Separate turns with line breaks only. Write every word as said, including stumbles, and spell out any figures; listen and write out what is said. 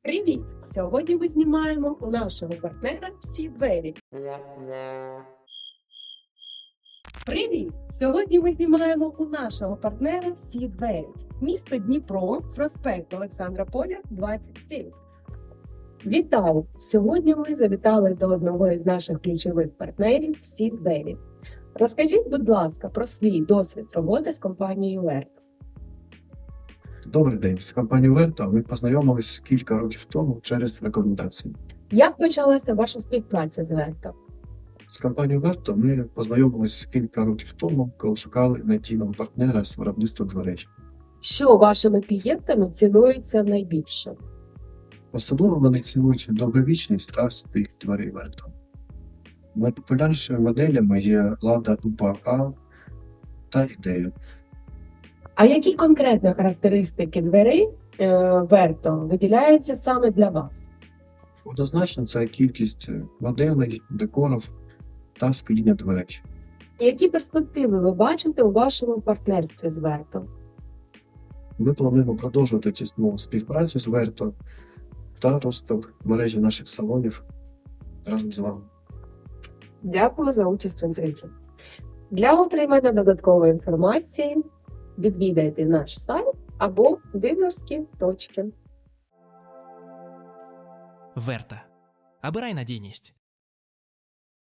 Привіт! Сьогодні ми знімаємо у нашого партнера всі двері. Привіт! Сьогодні ми знімаємо у нашого партнера всі двері. Місто Дніпро, проспект Олександра Поля, двадцять сім. Вітаю! Сьогодні ми завітали до одного із наших ключових партнерів всі двері. Розкажіть, будь ласка, про свій досвід роботи з компанією Верто.
Добрий день. З компанією Верто ми познайомились кілька років тому через рекомендації.
Як почалася ваша співпраця з Верто?
З компанією Верто ми познайомились кілька років тому, коли шукали надійного партнера з виробництва дверей.
Що вашими клієнтами цінується найбільше?
Особливо вони цінують довговічність та стиль дверей Верто. Найпопулярнішими моделями є Лада Упа А та Ідея.
А які конкретно характеристики дверей е, Верто виділяються саме для вас?
Однозначно це кількість моделей, декорів та скління дверей.
Які перспективи ви бачите у вашому партнерстві з Верто?
Ми плануємо продовжувати тісну співпрацю з Верто та розвиток мережі наших салонів разом з вами.
Дякую за участь в інтерв'ю. Для отримання додаткової інформації відвідайте наш сайт або дилерські точки.
Верта. Обирай надійність.